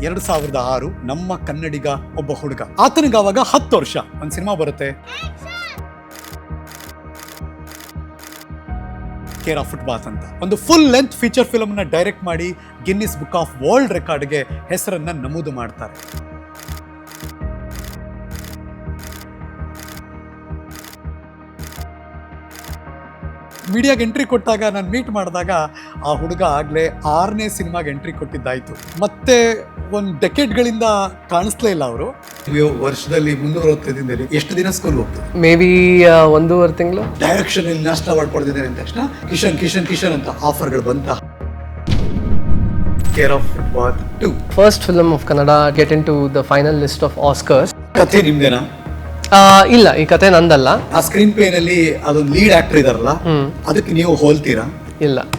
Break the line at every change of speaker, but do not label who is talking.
2006 ನಮ್ಮ ಕನ್ನಡಿಗ ಒಬ್ಬ ಹುಡುಗ, ಆತನಿಗೆ ಅವಾಗ 10 ವರ್ಷ. ಒಂದು ಸಿನಿಮಾ ಬರುತ್ತೆ, ಕೇರ್ ಆಫ್ ಫುಟ್ಪಾತ್ ಅಂತ. ಒಂದು ಫುಲ್ ಲೆಂತ್ ಫೀಚರ್ ಫಿಲ್ಮ್ ನ ಡೈರೆಕ್ಟ್ ಮಾಡಿ ಗಿನ್ನಿಸ್ ಬುಕ್ ಆಫ್ ವರ್ಲ್ಡ್ ರೆಕಾರ್ಡ್ಗೆ ಹೆಸರನ್ನ ನಮೂದು ಮಾಡ್ತಾರೆ. ಮೀಡಿಯಾಗೆ ಎಂಟ್ರಿ ಕೊಟ್ಟಾಗ ನಾನು ಮೀಟ್ ಮಾಡಿದಾಗ ಆ ಹುಡುಗ ಆಗಲೇ 6ನೇ ಸಿನಿಮಾಗೆ ಎಂಟ್ರಿ ಕೊಟ್ಟಿದ್ದಾಯ್ತು. ಮತ್ತೆ ಒಂದು ಡೆಕೆಡ್ಗಳಿಂದ ಕಾಣಿಸ್ಲೇ ಇಲ್ಲ ಅವರು. ವರ್ಷದಲ್ಲಿ 365 ದಿನದಲ್ಲಿ ಎಷ್ಟು ದಿನ ಸ್ಕೂಲ್ ಹೋಗ್ತದೆ?
ಮೇ ಬಿ 1.5 ತಿಂಗಳು.
ಡೈರೆಕ್ಷನ್ ಇಲ್ಲಿ ನ್ಯಾಷನಲ್ ಅವಾರ್ಡ್ ಪಡೆದಿದ್ದಾರೆ ಅಂದ ತಕ್ಷಣ ಕಿಶನ್ ಕಿಶನ್ ಕಿಶನ್ ಅಂತ ಆಫರ್ಗಳು ಬಂತ. Care of footpath 2
first film of Kannada get into the final list of Oscars.
ಕಥೆ ನಿಮ್ದೇನಾ?
ಇಲ್ಲ, ಈ ಕತೆ ನಂದಲ್ಲ.
ಆ ಸ್ಕ್ರೀನ್ ಪ್ಲೇ ನಲ್ಲಿ ಅದೊಂದು ಲೀಡ್ ಆಕ್ಟರ್ ಇದಾರಲ್ಲ, ಅದಕ್ಕೆ ನೀವು ಹೋಲ್ತೀರಾ?
ಇಲ್ಲ.